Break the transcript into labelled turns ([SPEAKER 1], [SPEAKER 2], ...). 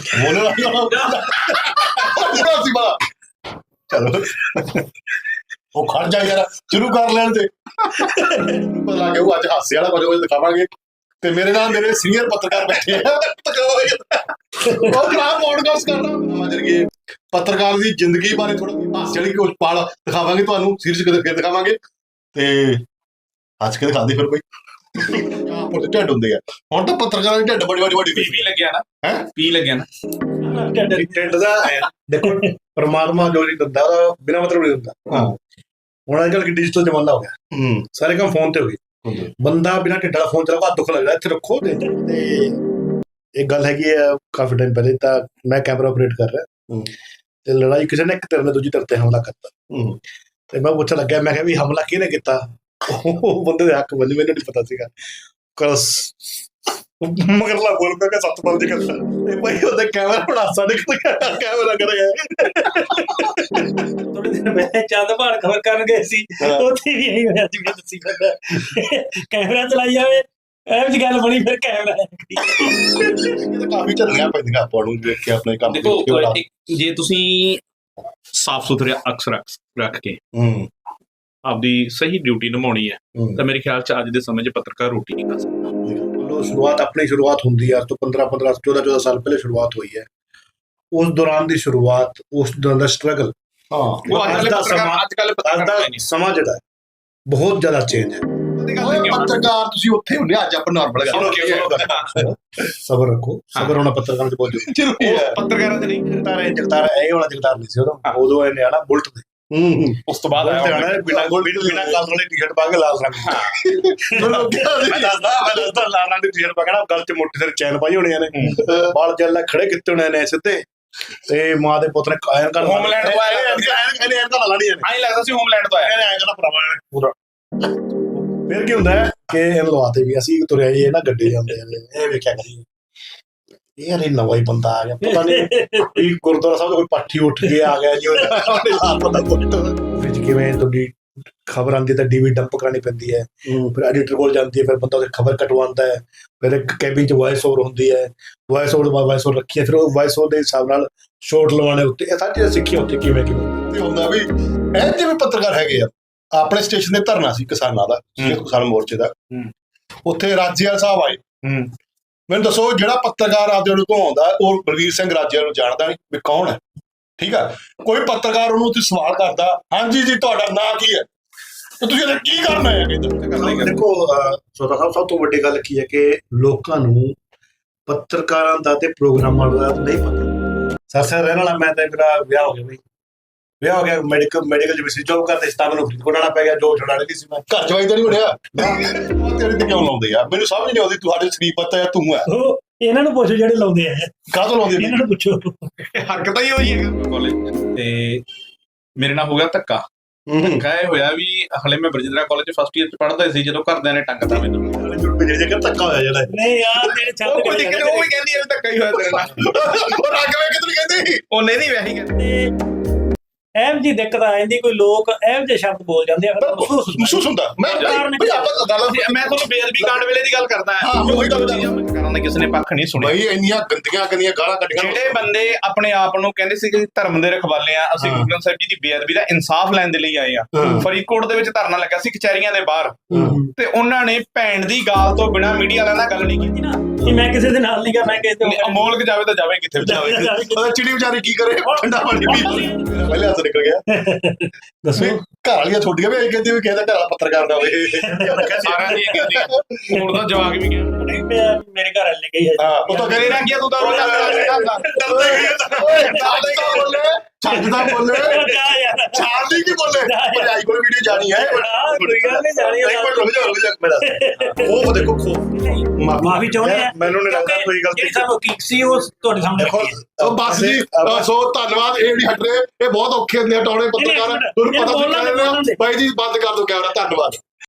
[SPEAKER 1] ਸੀ ਬਾ ਚਲੋ ਉਹ ਖੜ ਜਾ ਯਾਰ ਸ਼ੁਰੂ ਕਰ ਲੈਣ ਤੇ ਪਤਾ ਲੱਗ ਗਿਆ ਉਹ ਅੱਜ ਹਾਸੇ ਵਾਲਾ ਕੁਝ ਦਿਖਾਵਾਂਗੇ ਤੇ ਮੇਰੇ ਨਾਲ ਮੇਰੇ ਸੀਨੀਅਰ ਪੱਤਰਕਾਰ ਬੈਠੇ ਆ ਉਹ ਭਰਾ ਪੋਡਕਾਸਟ ਕਰਨਾ ਜਰੀਏ ਪੱਤਰਕਾਰ ਦੀ ਜ਼ਿੰਦਗੀ ਬਾਰੇ ਥੋੜਾ ਹਾਸੇ ਵਾਲੀ ਕੁਝ ਪਲ ਦਿਖਾਵਾਂਗੇ ਤੁਹਾਨੂੰ ਸੀਰੀਜ਼ ਕਿਤੇ ਦਿਖਾਵਾਂਗੇ ਤੇ ਅੱਜ ਕੇ ਦਿਖਾਉਂਦੇ ਫਿਰ ਕੋਈ ਢਿੱਡ ਹੁੰਦੇ ਆ ਹੁਣ ਤਾਂ ਪੱਤਰਕਾਰਾਂ ਦੀ ਢਿੱਡ ਬੜੀ
[SPEAKER 2] ਪੀ ਲੱਗਿਆ ਨਾ ਹੈ ਪੀ ਲੱਗਿਆ ਨਾ
[SPEAKER 3] ਢਿੱਡ ਦਾ ਦੇਖੋ ਪਰਮਾਤਮਾ ਜੋ ਨਹੀਂ ਦਿੰਦਾ ਉਹਦਾ ਬਿਨਾਂ ਮਤਲਬ ਨਹੀਂ ਦਿੰਦਾ ਹੁਣ ਅੱਜ ਕੱਲ੍ਹ ਡਿਜੀਟਲ ਜ਼ਮਾਨਾ ਹੋ ਗਿਆ ਸਾਰੇ ਕੰਮ ਫੋਨ ਤੇ ਹੋ ਗਏ ਬੰਦਾ ਬਿਨਾਂ ਢਿੱਡ ਵਾਲਾ ਫੋਨ ਚਲਾਉਂਦਾ ਦੁੱਖ ਲੱਗਦਾ ਇੱਥੇ ਰੱਖੋ ਤੇ ਇੱਕ ਗੱਲ ਹੈਗੀ ਆ ਕਾਫੀ ਟਾਈਮ ਪਹਿਲੇ ਤਾਂ ਮੈਂ ਕੈਮਰਾ ਆਪਰੇਟ ਕਰ ਰਿਹਾ ਤੇ ਲੜਾਈ ਕਿਸੇ ਨੇ ਇੱਕ ਧਿਰ ਨੇ ਦੂਜੀ ਧਿਰ ਤੇ ਹਮਲਾ ਕਰਤਾ ਤੇ ਮੈਂ ਪੁੱਛਣ ਲੱਗਿਆ ਮੈਂ ਕਿਹਾ ਵੀ ਹਮਲਾ ਕਿਹਨੇ ਕੀਤਾ ਉਹ ਬੰਦੇ ਦੇ ਹੱਕ ਬੰਦੇ ਮੈਨੂੰ ਨਹੀਂ ਪਤਾ ਸੀਗਾ ਮਗਰਲਾ ਬੋਲ ਪਿਆ 7 ਦੀ ਗੱਲ ਤੇ ਭਾਈ ਉਹਦੇ ਕੈਮਰਾ ਬਣਾ ਸਾਡੇ ਕੈਮਰਾ ਕਰ ਗਿਆ
[SPEAKER 4] ਥੋੜੇ ਦਿਨ ਪਹਿਲੇ ਚੰਦ ਭਾਣ ਖਬਰ ਕਰਨ ਗਏ ਸੀ ਉੱਥੇ ਵੀ ਇਹੀ ਹੋਇਆ ਜਿਵੇਂ ਤੁਸੀਂ ਕਹਿੰਦਾ ਕੈਮਰਾ ਚਲਾਈ ਜਾਵੇ ਇਹ ਜੀ ਗੱਲ ਬਣੀ ਫਿਰ ਕੈਮਰਾ
[SPEAKER 1] ਕਾਫੀ ਝੱਲੀਆਂ ਪੈਂਦੀਆਂ ਆਪਾਂ ਨੂੰ ਦੇਖ ਕੇ ਆਪਣੇ ਕੰਮ
[SPEAKER 2] ਦੇਖੋ ਜੇ ਤੁਸੀਂ ਸਾਫ਼ ਸੁਥਰੇ ਅਕਸ ਰੱਖ ਕੇ ਆਪਦੀ ਸਹੀ ਡਿਊਟੀ ਨਿਭਾਉਣੀ ਹੈ ਤਾਂ ਮੇਰੇ ਖਿਆਲ ਚ ਅੱਜ ਦੇ ਸਮੇਂ 'ਚ ਪੱਤਰਕਾਰ ਰੋਟੀ ਨਹੀਂ ਖਾ ਸਕਦਾ
[SPEAKER 3] ਸ਼ੁਰੂਆਤ ਆਪਣੀ ਸ਼ੁਰੂਆਤ ਹੁੰਦੀ ਹੈ ਅੱਜ ਤੋਂ 14 ਸਾਲ ਪਹਿਲੇ ਸ਼ੁਰੂਆਤ ਹੋਈ ਹੈ ਉਸ ਦੌਰਾਨ ਦੀ ਸ਼ੁਰੂਆਤ ਉਸ ਦੌਰਾਨ ਦਾ ਸਟਰਗਲ ਅੱਜ ਦਾ ਸਮਾਂ ਜਿਹੜਾ ਬਹੁਤ ਜ਼ਿਆਦਾ ਚੇਂਜ ਹੈ
[SPEAKER 1] ਪੱਤਰਕਾਰ ਤੁਸੀਂ ਉੱਥੇ ਹੁੰਦੇ ਅੱਜ ਆਪਾਂ ਨਾਰਮਲ ਸਬਰ ਰੱਖੋ ਸਬਰ ਹੋਣਾ ਪੱਤਰਕਾਰ ਚ ਬਹੁਤ ਜ਼ਰੂਰੀ ਹੈ
[SPEAKER 2] ਪੱਤਰਕਾਰਾਂ ਚ ਨਹੀਂ
[SPEAKER 3] ਜਗਤਾਰ ਇਹ ਵਾਲਾ ਜਗਤਾਰ ਨਹੀਂ ਸੀ ਉਦੋਂ ਇਹਨੇ ਆਣਾ ਬੁਲਟ ਤੇ
[SPEAKER 2] ਉਸ ਤੋਂ ਬਾਅਦ
[SPEAKER 3] ਬਿਨਾਂ ਕਾਲਰ ਵਾਲੀ ਟੀ-ਸ਼ਰਟ ਪਾ ਕੇ ਲਾਲ ਰੰਗ ਮੈਂ ਦੱਸਦਾ ਲਾਲ ਰੰਗ ਦੀ ਟੀ-ਸ਼ਰਟ ਪਾ ਕੇ ਨਾ ਗਲ ਚ ਮੋਟੀ ਸਾਰੀ ਚੈਨ ਪਾਈ ਹੋਣੀਆਂ ਨੇ ਬਾਲ ਜੱਲਾ ਖੜੇ ਕੀਤੇ ਹੋਣੇ ਨੇ ਸਿੱਧੇ ਤੇ ਮਾਂ ਦੇ ਪੁੱਤ ਨੇ ਕਾਇਨ ਕਰ
[SPEAKER 2] ਹੋਮਲੈਂਡ ਤੋਂ ਆਇਆ ਆਈ ਲੱਗਦਾ ਸੀ ਹੋਮਲੈਂਡ ਤੋਂ ਆਇਆ
[SPEAKER 3] ਐਂ ਕਰਨਾ ਭਰਾਵਾ ਪੂਰਾ ਫਿਰ ਕੀ ਹੁੰਦਾ ਕਿ ਇਹਨੂੰ ਲਵਾਤੇ ਵੀ ਅਸੀਂ ਤੁਰਿਆ ਜੀ ਨਾ ਗੱਡੀ ਜਾਂਦੇ ਇਹ ਵੇਖਿਆ ਕਰੀ ਯਾਰ ਇਹ ਨਵਾਂ ਹੀ ਬੰਦਾ ਆ ਗਿਆ ਪਤਾ ਨਹੀਂ ਵੀ ਗੁਰਦੁਆਰਾ ਸਾਹਿਬ ਤੋਂ ਕੋਈ ਪਾਠੀ ਉੱਠ ਕੇ ਆ ਗਿਆ ਜੀ ਉਹਨੇ ਲਾਤ ਪਤਾ ਵਿੱਚ ਕਿਵੇਂ ਤੁਹਾਡੀ ਖਬਰ ਆਉਂਦੀ ਤਾਂ ਡੀਵੀ ਡੰਪ ਕਰਾਣੀ ਪੈਂਦੀ ਹੈ ਫਿਰ ਐਡੀਟਰ ਕੋਲ ਜਾਂਦੀ ਹੈ ਫਿਰ ਬੰਦਾ ਉਹਦੀ ਖਬਰ ਕਟਵਾਉਂਦਾ ਹੈ ਫਿਰ ਇੱਕ ਕੈਬਿਨ 'ਚ ਵਾਇਸ ਓਵਰ ਹੁੰਦੀ ਹੈ ਵਾਇਸ ਓਵਰ ਰੱਖੀ ਹੈ ਫਿਰ ਉਹ ਵਾਇਸ ਓਵਰ ਦੇ ਹਿਸਾਬ ਨਾਲ ਸ਼ੋਟ ਲਵਾਉਣੇ ਉੱਤੇ ਇਹ ਸਾਰੀ ਸਿੱਖੀ ਉੱਥੇ ਕਿਵੇਂ
[SPEAKER 1] ਹੁੰਦਾ ਵੀ ਇਹ ਜਿਵੇਂ ਪੱਤਰਕਾਰ ਹੈਗੇ ਆ ਆਪਣੇ ਸਟੇਸ਼ਨ ਤੇ ਧਰਨਾ ਸੀ ਕਿਸਾਨਾਂ ਦਾ ਕਿਸਾਨ ਮੋਰਚੇ ਦਾ ਉੱਥੇ ਰਾਜੇਵਾਲ ਸਾਹਿਬ ਆਏ ਮੈਨੂੰ ਦੱਸੋ ਜਿਹੜਾ ਪੱਤਰਕਾਰ ਆਪਦੇ ਨੂੰ ਘੁਮਾਉਂਦਾ ਉਹ ਬਲਵੀਰ ਸਿੰਘ ਰਾਜੇਵਾਲ ਨੂੰ ਜਾਣਦਾ ਨਹੀਂ ਵੀ ਕੌਣ ਹੈ ਠੀਕ ਆ ਕੋਈ ਪੱਤਰਕਾਰ ਉਹਨੂੰ ਉੱਥੇ ਸਵਾਲ ਕਰਦਾ ਹਾਂਜੀ ਜੀ ਤੁਹਾਡਾ ਨਾਂ ਕੀ ਹੈ ਤੇ ਤੁਸੀਂ ਇਹਦਾ ਕੀ ਕਰਨਾ ਹੈ
[SPEAKER 3] ਦੇਖੋ ਸੋਦਾ ਸਾਹਿਬ ਸਭ ਤੋਂ ਵੱਡੀ ਗੱਲ ਕੀ ਹੈ ਕਿ ਲੋਕਾਂ ਨੂੰ ਪੱਤਰਕਾਰਾਂ ਦਾ ਤੇ ਪ੍ਰੋਗਰਾਮਾਂ ਦਾ ਨਹੀਂ ਪਤਾ ਸਰ ਰਹਿਣ ਵਾਲਾ ਮੈਂ ਤਾਂ ਮੇਰਾ ਵਿਆਹ ਹੋ ਗਿਆ ਬਈ ਵਿਆਹ ਹੋ ਗਿਆ ਮੈਡੀਕਲ ਜਿਵੇਂ ਜੋਬ ਕਰਦੇ ਸੀ ਤਾਂ ਮੈਨੂੰ ਫਰੀਦਕੋਟ ਆਉਣਾ ਪੈ ਗਿਆ ਜੋ ਛੁਡਾਣੇ ਨਹੀਂ ਸੀ ਮੈਂ
[SPEAKER 1] ਘਰ ਜਵਾਈ ਤਾਂ ਨਹੀਂ ਬਣਿਆ ਤੇਰੇ ਤੇ ਕਿਉਂ ਲਾਉਂਦੇ ਆ ਮੈਨੂੰ ਸਮਝ ਨਹੀਂ ਆਉਂਦੀ ਤੁਹਾਡੇ ਸਰੀਰ ਪਤਾ ਤੂੰ ਹੈ
[SPEAKER 4] ਇਹਨਾਂ ਨੂੰ ਪੁੱਛੋ ਜਿਹੜੇ ਲਾਉਂਦੇ ਆ
[SPEAKER 1] ਕਾਹਤੋਂ ਲਾਉਂਦੇ
[SPEAKER 4] ਇਹਨਾਂ ਨੂੰ ਪੁੱਛੋ
[SPEAKER 2] ਹਰਕਤਾਂ ਹੀ ਹੋਈ ਹੈ ਕਾਲਜ ਤੇ ਮੇਰੇ ਨਾਲ ਹੋ ਗਿਆ ਧੱਕਾ ਇਹ ਹੋਇਆ ਵੀ ਹਲੇ ਮੈਂ ਬਰਜਿੰਦਰਾ ਕਾਲਜ ਫਸਟ ਈਅਰ ਚ ਪੜ੍ਹਦਾ ਸੀ ਜਦੋਂ ਘਰਦਿਆਂ ਨੇ ਟੰਗਦਾ ਮੈਨੂੰ
[SPEAKER 3] ਧੱਕਾ ਹੋਇਆ ਜਿਹੜਾ
[SPEAKER 4] ਨਹੀਂ ਯਾਰ ਤੇਰੇ ਛੱਡ
[SPEAKER 2] ਉਹ ਵੀ ਕਹਿੰਦੀ ਇਹ ਧੱਕਾ ਹੀ ਹੋਇਆ ਤੇਰੇ ਨਾਲ
[SPEAKER 1] ਉਹ ਰੱਗ ਵੇ ਕਿਤਨੀ ਕਹਿੰਦੀ
[SPEAKER 2] ਉਹ ਨਹੀਂ ਵੈਸੇ ਕਹਿੰਦੇ
[SPEAKER 4] ਐਮ ਜੀ ਦਿੱਕਤ ਆ ਜਾਂਦੀ ਕੋਈ ਲੋਕ ਇਹੋ ਜਿਹੇ ਸ਼ਬਦ ਬੋਲ ਜਾਂਦੇ ਆ
[SPEAKER 1] ਮਹਿਸੂਸ ਹੁੰਦਾ ਮੈਂ ਤੁਹਾਨੂੰ
[SPEAKER 2] ਬੇਅਦਬੀ ਕਾਂਡ ਵੇਲੇ ਦੀ ਗੱਲ ਕਰਦਾ ਹਾਂ ਉਹੀ ਗੱਲ ਕਰਨ ਦਾ ਕਿਸੇ ਨੇ ਪੱਖ ਨਹੀਂ ਸੁਣਿਆ
[SPEAKER 1] ਬਈ ਇੰਨੀਆਂ ਗੰਦੀਆਂ ਗਾਲਾਂ ਕੱਢੀਆਂ
[SPEAKER 2] ਜਿਹੜੇ ਬੰਦੇ ਆਪਣੇ ਆਪ ਨੂੰ ਕਹਿੰਦੇ ਸੀ ਕਿ ਧਰਮ ਦੇ ਰਖਵਾਲੇ ਆ ਅਸੀਂ ਗੁਰੂ ਗ੍ਰੰਥ ਸਾਹਿਬ ਜੀ ਦੀ ਬੇਅਦਬੀ ਦਾ ਇਨਸਾਫ ਲੈਣ ਦੇ ਲਈ ਆਏ ਆ ਫਰੀਦਕੋਟ ਦੇ ਵਿੱਚ ਧਰਨਾ ਲੱਗਾ ਸੀ ਕਚਹਿਰੀਆਂ ਦੇ ਬਾਹਰ ਤੇ ਉਹਨਾਂ ਨੇ ਭੈਣ ਦੀ ਗਾਲ ਤੋਂ ਬਿਨਾਂ ਮੀਡੀਆ ਵਾਲਿਆਂ ਨਾਲ ਗੱਲ ਨਹੀਂ ਕੀਤੀ ਨਾ
[SPEAKER 4] ਕਿ ਮੈਂ ਕਿਸੇ ਦੇ ਨਾਲ ਨਹੀਂ ਗਾ ਮੈਂ ਕਿਸੇ ਤੇ
[SPEAKER 2] ਅਮੋਲਕ ਜਾਵੇ ਤਾਂ ਜਾਵੇ ਕਿੱਥੇ ਜਾਵੇ
[SPEAKER 1] ਚਿੜੀ ਵਿਚਾਰੀ ਕੀ ਕਰੇ ਠੰਡਾ ਪਾਣੀ ਪੀ ਪਹਿਲੇ ਹੱਥ ਨਿਕਲ ਗਿਆ
[SPEAKER 4] ਦੱਸੋ
[SPEAKER 1] ਘਰ ਵਾਲੀਆਂ ਛੋਟੀਆਂ ਵੀ ਆਈ ਕਹਿੰਦੀ ਵੀ ਕਿਸੇ ਦਾ ਘਰ ਪੱਤਰਕਾਰ ਦਾ ਹੋਵੇ
[SPEAKER 2] ਸਾਰਿਆਂ ਦੀ ਹੁਣ ਤਾਂ ਜਵਾਕ ਵੀ ਗਿਆ
[SPEAKER 4] ਮੇਰੇ ਘਰ ਵਾਲੇ ਗਈ ਹੈ
[SPEAKER 1] ਉਹ ਤਾਂ ਕਹਿੰਦੇ ਨਾ ਕੀ ਤੂੰ ਤਾਂ ਰੋਜ਼ ਛੱਡਦਾ ਬੋਲੇ ਛਾੜਦੀ ਕੀ ਬੋਲੇ ਭਜਾਈ ਕੋਈ ਵੀਡੀਓ ਜਾਣੀ ਹੈ
[SPEAKER 4] ਕੋਈ ਗੱਲ ਨਹੀਂ ਜਾਣੀ
[SPEAKER 1] ਉਹ ਦੇਖੋ
[SPEAKER 4] ਮਾਫੀ ਚਾਹੁੰਦੇ ਆ
[SPEAKER 3] ਮੈਨੂੰ ਨਹੀਂ ਲੱਗਦਾ ਕੋਈ ਗਲਤੀ
[SPEAKER 4] ਸਾਨੂੰ ਕੀ ਸੀ ਉਹ ਤੁਹਾਡੇ ਸਾਹਮਣੇ
[SPEAKER 1] ਉਹ ਬਸ ਜੀ ਸੋ ਧੰਨਵਾਦ ਇਹ ਜਿਹੜੀ ਹਟ ਰਹੇ ਇਹ ਬਹੁਤ ਔਖੇ ਹੁੰਦੇ ਆ ਟੌਣੇ ਪੱਤਰਕਾਰ ਤੁਹਾਨੂੰ ਪਤਾ ਸੀ ਬਾਈ ਜੀ ਬੰਦ ਕਰ ਦਿਓ ਕੈਮਰਾ ਧੰਨਵਾਦ